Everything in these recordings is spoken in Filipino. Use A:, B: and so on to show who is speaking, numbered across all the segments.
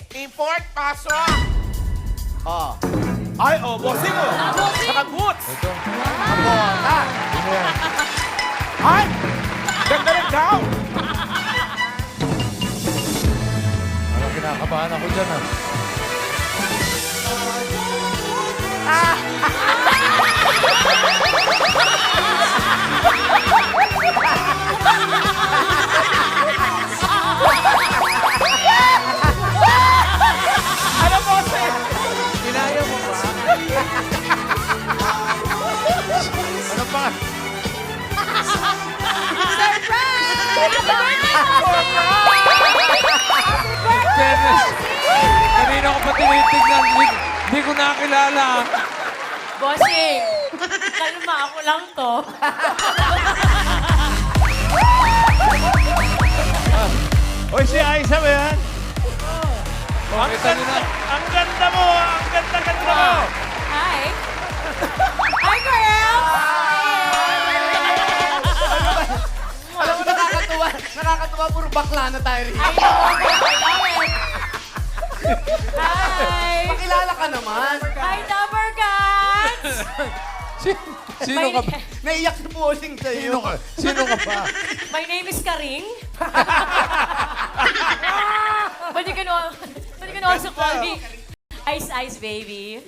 A: Import, pasok!
B: Oh.
C: Ay, bossing mo. Saka boots.
D: Ito.
B: Bota.
D: Ano yan?
C: Ay! Ganda rin daw.
D: Parang kinakabahan ako dyan, ah.
C: Ano, bossing?
B: Kinaya mo ba?
D: Ano pa? Fairness. Kanina ko pa tinitignan. Hindi ko nakilala.
E: Bossing, kalma ako lang to.
C: Oy, si Aiza ba yan? Ang
D: Kita niyo na.
C: ganda, ang ganda mo, ang ganda-ganda mo.
E: Hi. Hi, girl.
B: Alam mo, nakakatuwa. Nakakatuwa, puro bakla na tayo rin.
E: I love it. Hi.
B: Pakilala ka naman.
E: Hi, Dapper Cats.
D: Sino ka ba?
B: Naiyak si Bossing sa'yo.
D: Sino ka ba?
E: My name is Karing. But you can also call me Ice Ice Baby.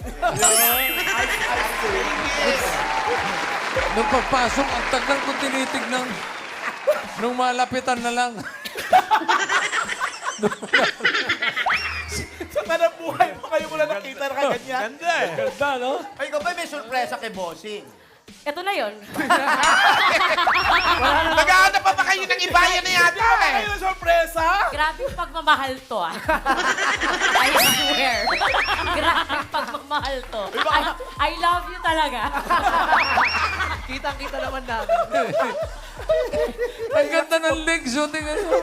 D: Nung pagpasok, ang tagal ko tinitignan. Nung malapitan na lang.
C: Sa kanang buhay mo kayo mo lang nakita na kaganyan. Ganda eh. Ganda, no?
B: Ay, ikaw ba may sorpresa kay Bossing?
E: Ito na yon.
A: Nag-ahanap pa ba kayo ng ibayan na yata eh?
C: Kayo sorpresa?
E: Grabe yung pagmamahal to, ah. I swear. Grabe yung pagmamahal to. I love you talaga.
B: Kitang-kita naman namin.
D: Ang ganda ng legs, oh. Tingnan mo.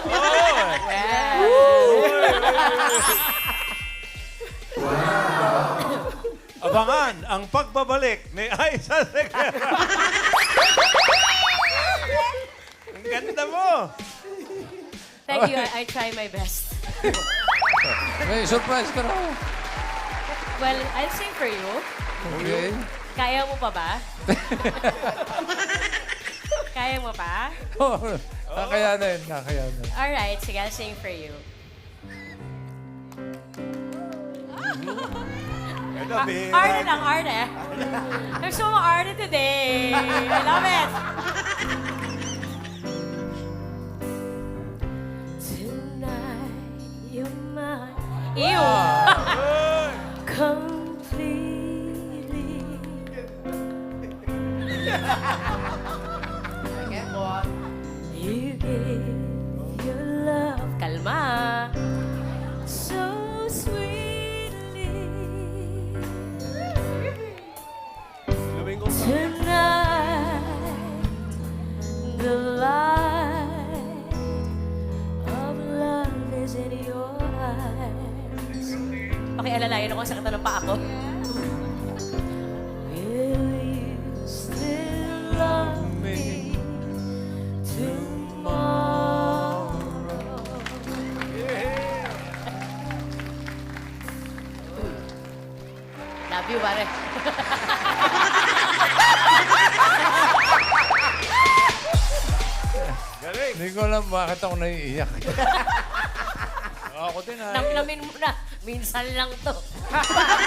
C: Abangan ang pagbabalik ni Aiza Sequeira. Ang ganda mo.
E: Thank you. I try my best.
D: May surprise ka raw.
E: Well, I'll sing for you.
D: Okay.
E: Kaya mo pa ba? Kaya mo pa?
D: Kakayanin, kakayanin.
E: Alright, sige, I'll sing for you.
C: Ano, Bea?
E: Arte lang, arte. I'm so arte today. I love it. Tonight, you're mine. Ew. Completely. You gave your love. Kalma. So sweetly. Tonight, the light of love is in your eyes. Okay, alalayan ako sa kata ng paa ko. Will you still love me tomorrow? Love you, pare.
C: Galing.
D: Hindi ko alam bakit ako naiiyak.
C: Ako din, ay.
E: Namnamin mo na. Minsan lang to.